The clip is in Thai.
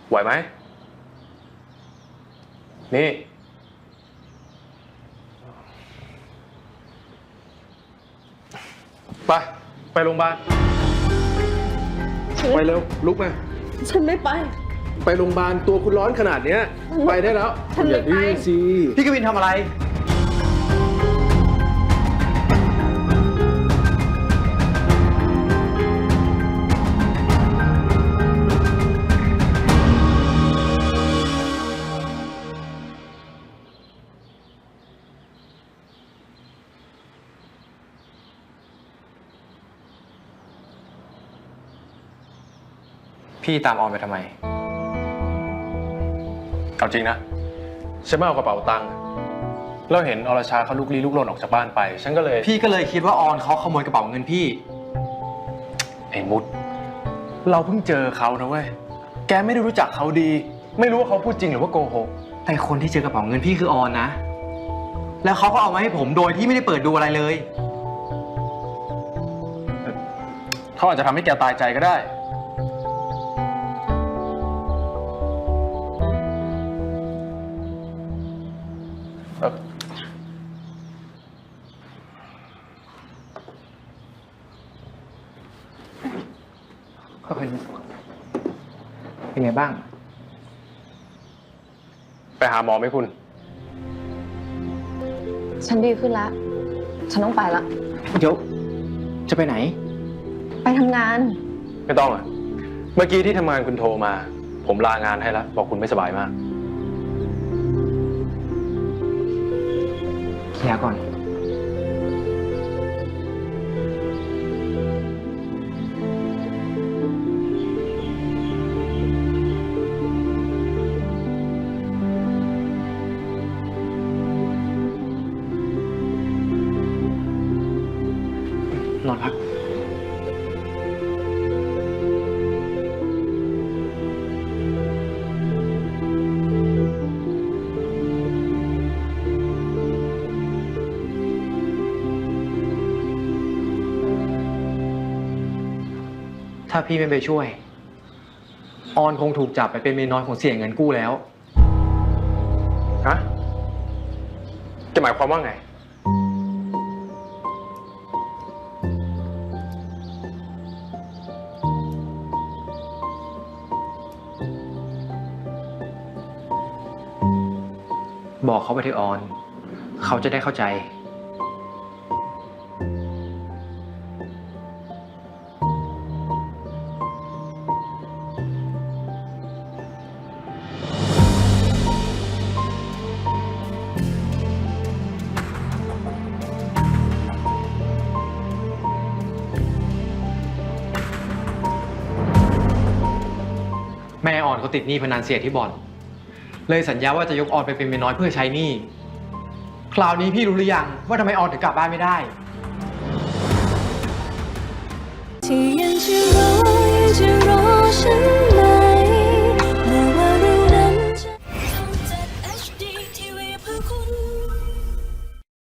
ไหวไหมนี่ไปโรงพยาบาลไปเร็วลุกมาฉันไม่ไปไปโรงพยาบาลตัวคุณร้อนขนาดเนี้ยไปได้แล้วอย่าดื้อสิพี่กวินทำอะไรพี่ตามออนไปทำไมเอาจริงนะฉันไม่เอากระเป๋าตังค์แล้วเห็นอรชาเขาลุกลี้ลุกลนออกจากบ้านไปฉันก็เลยพี่ก็เลยคิดว่าออนเขาขโมยกระเป๋าเงินพี่ไอ้มุดเราเพิ่งเจอเขานะเว้ยแกไม่ได้รู้จักเขาดีไม่รู้ว่าเขาพูดจริงหรือว่าโกหกแต่คนที่เจอกระเป๋าเงินพี่คือออนนะแล้วเขาก็เอามาให้ผมโดยที่ไม่ได้เปิดดูอะไรเลยเขาอาจจะทำให้แกตายใจก็ได้เป็นไงบ้างไปหาหมอไหมคุณฉันดีขึ้นแล้วฉันต้องไปละเดี๋ยวจะไปไหนไปทำงานไม่ต้องอ่ะเมื่อกี้ที่ทำงานคุณโทรมาผมลางานให้แล้วบอกคุณไม่สบายมากเคลียร์ก่อนนอนพักถ้าพี่ไม่ไปช่วยออนคงถูกจับไปเป็นเมียน้อยของเสี่ยเงินกู้แล้วฮะจะหมายความว่าไงบอกเขาไปเถอะออนเขาจะได้เข้าใจแม่ออนเขาติดหนี้พนันเสียที่บ่อนเลยสัญญาว่าจะยกออนไปเป็นเมียน้อยเพื่อใช้หนี้คราวนี้พี่รู้หรือยังว่าทำไมออนถึงกลับบ้านไม่ได้